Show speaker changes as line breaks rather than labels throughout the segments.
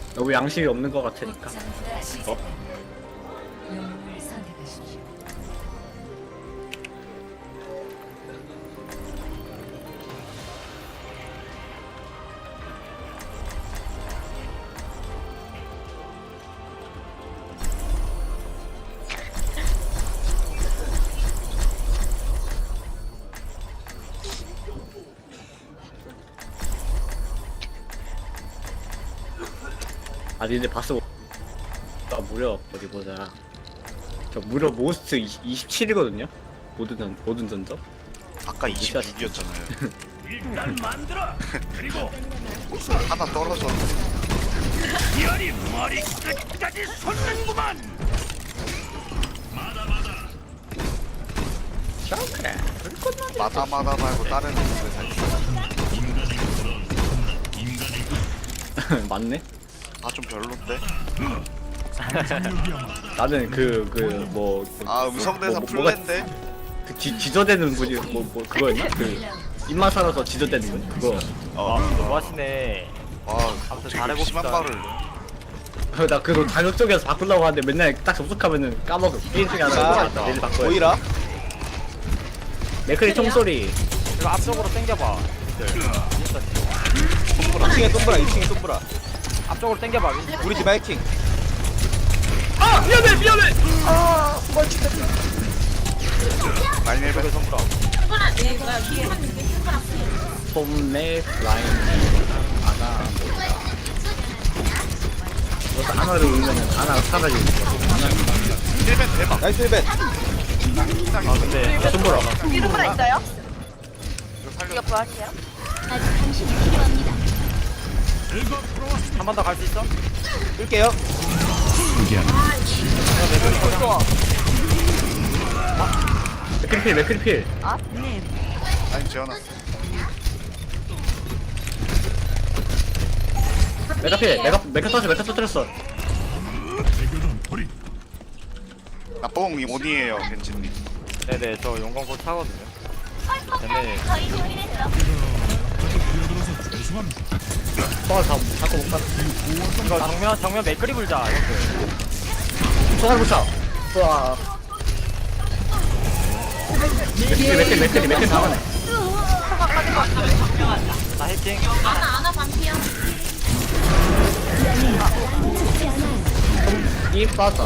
너무 양심이 없는 것 같으니까. 어? 아 니네 봤어? 나 무려 어디 보자. 저 무려 모스트 27이거든요? 모든 전적?
아까 26이었잖아요.
일단 만들어. 그리고
하나 떨어졌는데.
열이 머리 끝까지 솟는구만.
마다마다 말고 다른 곳에 살.
맞네?
아좀 별론데.
나는 뭐
아 음성대사 풀랜데.
그 지저대는 분이 그거였나? 그 입만 살아서 지저대는 분? 그거.
너무 하시네.
아
아무튼
되게
잘해봅시다.
심한 말을.
나 그거 자격적이어서 바꾸려고 하는데 맨날 딱 접속하면은 까먹어. 게임 중에 하나 까먹었다. 내일 바꿔야 돼.
보이라?
맥크리 총소리.
이거 앞쪽으로 당겨봐.
손보라 2층에 손보라 2층에 손보라
앞쪽으로 당겨봐.
우리 집 하이킹
아! 미안해!
라인 헬벳.
손보라.
폼내 라인 아나 뭐다 하나를 울면은 하나가 사라지는
헬벳 대박.
나이스 힐벤
아 근데
거. 손보라.
이름으로 있어요?
이거 살려.
이거 구할게요.
한 번 더 갈 수 있어?
끌게요
맥크리필.
라인 지어놨어.
메카 터뜨렸어.
나뽕 온이에요 벤진님.
네네 저 용광 곧 차거든요. 쟤네
저희 준비됐어.
자꾸 못 가.
이거 정면 맥그리 불자. 이렇게.
손을 붙여. 와. 맥크리 당하네.
나 해킹.
아나 반피야.
이 빠져.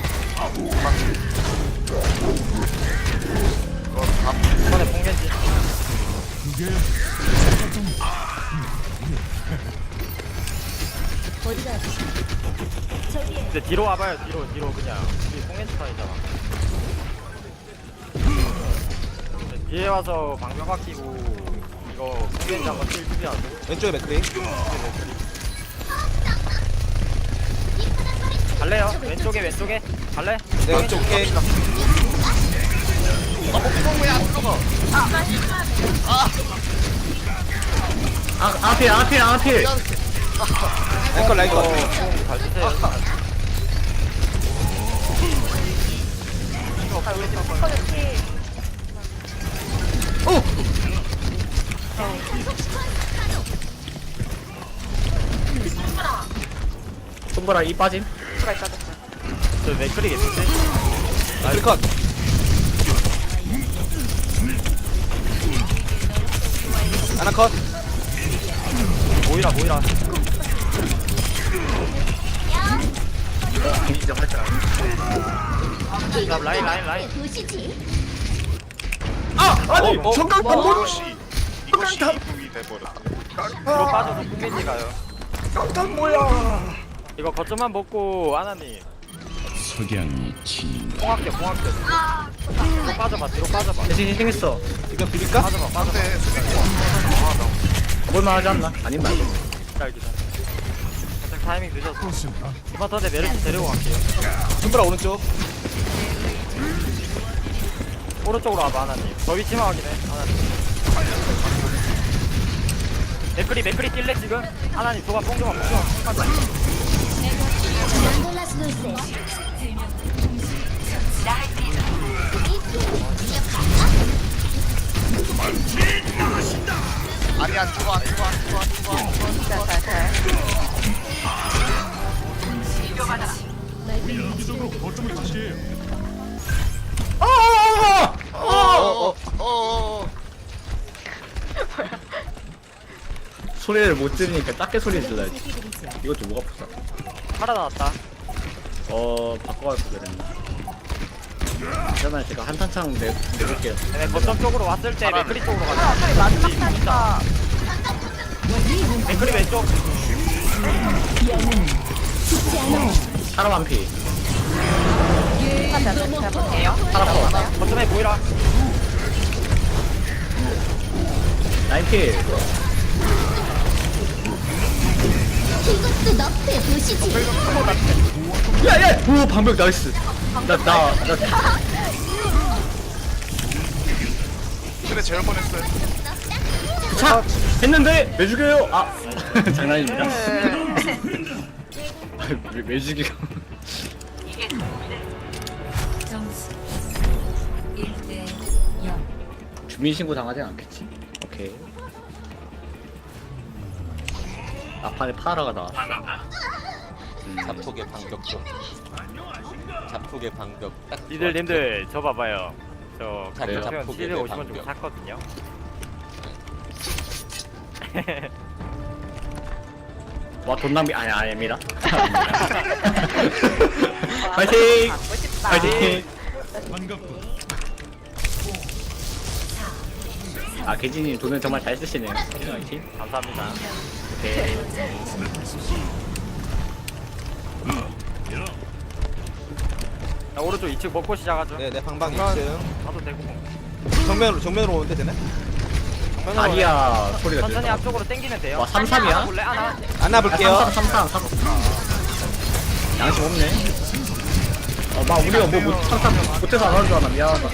이번에 봉겐지. 이제 뒤로 와봐요. 뒤로 그냥. 우리 봉겐지 타이잖아. 뒤에 와서 방벽 아끼고 이거 봉겐지 한번 뛸 준비하고.
왼쪽에 맥크리
갈래요? 왼쪽에 갈래?
내가 왼쪽 올게
앞필.
앵컬 라이커
잘 쓰세요.
손보라 이 빠짐.
저 맥크리 개피지?
클컷 하나 컷
모이라.
진짜 활짝.
자, 라인.
아니 정강 반복.
이것이 이북이 돼버렸다.
뒤로 빠져서 봉겐지 가요.
깡깡 뭐야?
이거 거점만 먹고 아나님
석양이 진.
봉합격. 뒤로 빠져봐.
대신 희생했어.
지금 비빌까?
빠져봐.
근데 수비권
볼만하지 않나? 아님 말고.
기다. 살짝 타이밍 늦었어. 이번 턴에 메르시 데리고 갈게요.
손보라 오른쪽
오른쪽으로 와봐 아나님. 저 위치만 확인해 아나님. 맥크리 뛸래 지금? 아나님 조가 뽕조만 가자.
아니 안 죽어.
소리를 못 들으니까 작게 소리 질러야지. 이것 좀 뭐가 아프다.
팔아 나왔다.
바꿔갈 거 그랬나? 그러면 제가 한탄창 내볼게요.
얘네 거점 쪽으로 왔을 때 맥크리 쪽으로 가자.
차라리 마지막 타니까.
맥크리 왼쪽.
사람 한 피.
제가 볼게요.
사람 더.
거점에 보이라.
나인 피.
이것도 너프에 보시지.
야야! 오 방벽 나이스. 나
그래 재울 뻔했어요.
차 했는데 왜 죽여요? 아 장난입니다. 왜 죽여? 주민 신고 당하진 않겠지? 오케이. 막판에 파라가 나왔어.
잡폭의 방벽 좀. 잡폭의 방벽 딱.
님들 저 봐봐요. 저
그래요?
가격표현
자폭의
750원 주고
방벽.
샀거든요.
와 돈 낭비 아닙니다. 파이팅!
갖고 싶다.
파이팅! 아 개진님 돈을 정말 잘 쓰시네요. 파이팅!
감사합니다.
오케이.
자, 오른쪽 2층 먹고 시작하죠.
네네 방방
방방.
2층.
가도 되고.
정면으로 오는데 되네.
다리야 소리가
천천히
들려.
앞쪽으로 당기면 돼요.
와 3-3이야?
볼래? 하나.
안아볼게요.
3-3 양심 없네. 막 우리가 뭐 3-3 못해서 안 하는 줄 알아. 미안하다.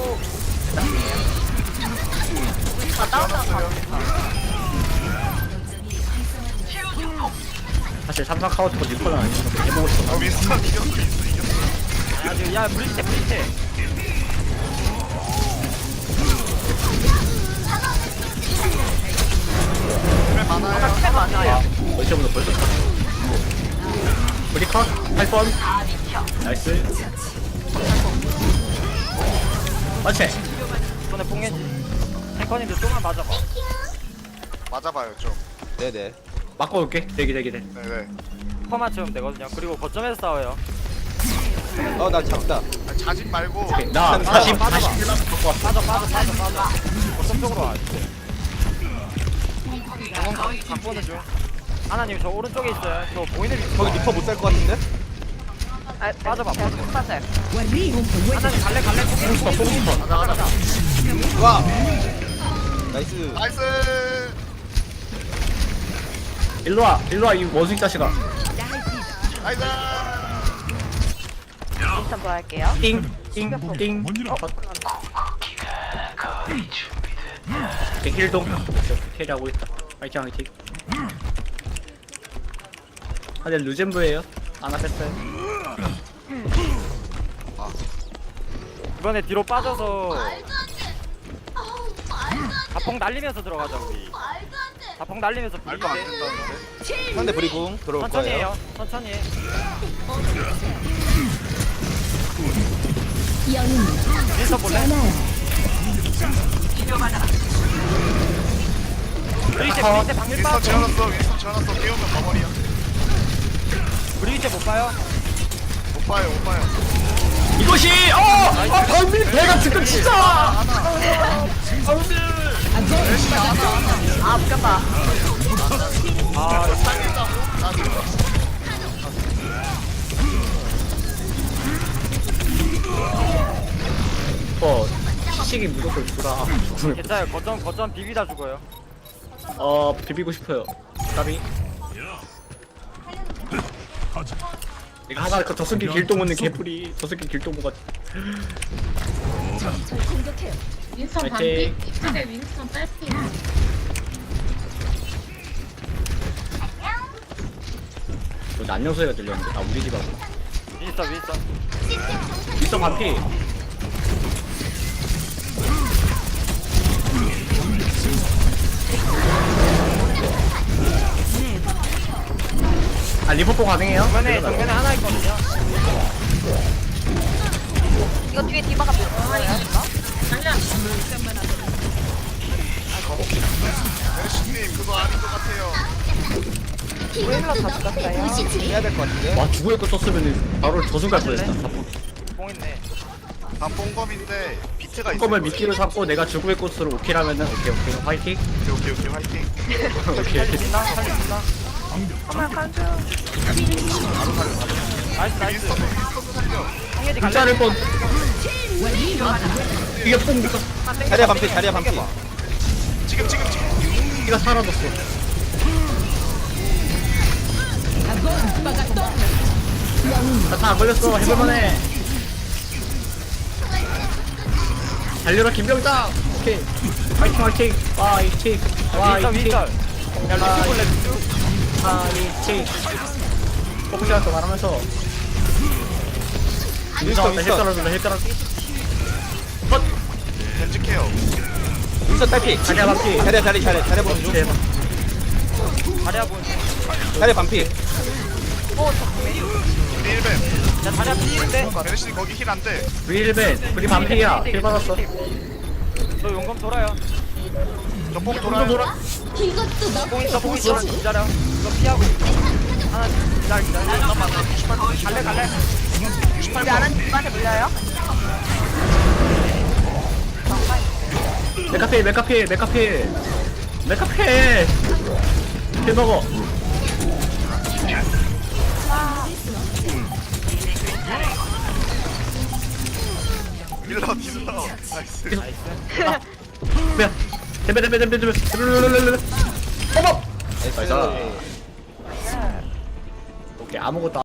사실 3-3 카운터 리콜은 아니고 해보고 싶어.
윈스턴 이겼어.
아주 야 브리테.
그래 많아요.
꽤 많아요.
어디서부터 벌써 탔어. 우리 컷! 8번! 나이스. 맞지?
손에 뽕겐지. 탱커님들 좀만 맞아봐.
맞아봐요 좀.
네네.
맞고 올게. 대기.
네네.
퍼만 채우면 되거든요. 그리고 거점에서 싸워요.
나 잡다.
아, 자진 말고.
오케이. 나
빠져,
41만 갖고 왔어.
빠져. 거점 쪽으로 와. 이건 갖고 오는 중. 하나님 저 오른쪽에 있어요. 저 보이는 위치.
거기 리퍼 못 살 것 같은데?
빠져봐.
맞아요.
하나님 갈래.
뽕스퍼. 가자.
와. 나이스.
나이스.
일로와 이 원숭이 자식아.
나이스.
인스턴 돌아갈게요.
띵. 힐동. 캐리하고 있다. 화이팅. 근데 루젠브예요. 아나 뺐어요.
이번에 뒤로 빠져서 자폭 날리면서 들어가자 우리. 자폭 날리면서
말도 안
비비게.
된다는데.
상대 브리궁 들어올
천천히
거예요.
해요. 천천히 해.
영웅
윈서 볼래? 브리제 방밀
윈스턴
빠져.
재워놨어. 깨우면 버버리야.
브리제 못 봐요?
못 봐요.
이것이 방민 배가 지금 진짜.
아, 웃겼다.
시식이 무조건 주라.
괜찮아요. 거점 비비다 죽어요.
비비고 싶어요. 까비. 이거 하나 그 저승기 길동 오는 개풀이 저승기 길동무가.
윈스턴
파이팅.
반피. 이쪽에 윈스턴 딸피.
안녕 소리가 들렸는데. 우리 집 하고.
윈서.
있어 반피. 리포포 가능해요?
정면에 하나 있거든요.
이거 뒤에 디바가 밀어요.
메르시님 그거 아닌 것 같아요.
이것도 너프의 도시지.
해야 될 것 같은데.
와 죽을 거 썼으면 바로 저승 갈 뻔했다.
뽕 있네.
다 뽕검인데 비트가 있어.
껌을 미끼로 삼고 내가 죽음의 꽃으로 오키라면은 오케이 화이팅.
오케이 화이팅.
오케이.
살린다. 나이스.
윈스턴 살려.
홍예지
불자를 뻔. 이게 뽕 니가
자리야 반피 자리야 반피.
지금.
니가 사라졌어. 나다안 걸렸어. 해볼만해. 달려라 김병장. 오케이. 화이팅. 화이팅.
윈스턴. 야 루시 볼래 루시?
화이팅. 포크샷 더 말하면서.
윈스턴.
힐 떨어진다.
겐지 케어.
윈스턴 딸피.
자리야 반피.
자리야 보는 중.
대박.
자리야 보는 중.
자리야 반피.
우리 1벤.
야 자리야 피인데.
메르시님 거기 힐 안 돼.
윌벤 우리 반피야. 힐 받았어.
너 용감 돌아요.
저뽕
돌아.
돌아요.
이것도
뽕
너프의
있어.
도시지.
기다려. 이거 피하고. 하나 기다려. 잠깐만. 갈래.
우리 아는 디바한테 물려요?
메카필. 힐 먹어.
딜러. 나이스.
뭐야? 덤벼. 어머.
나이스.
오케이 아무것도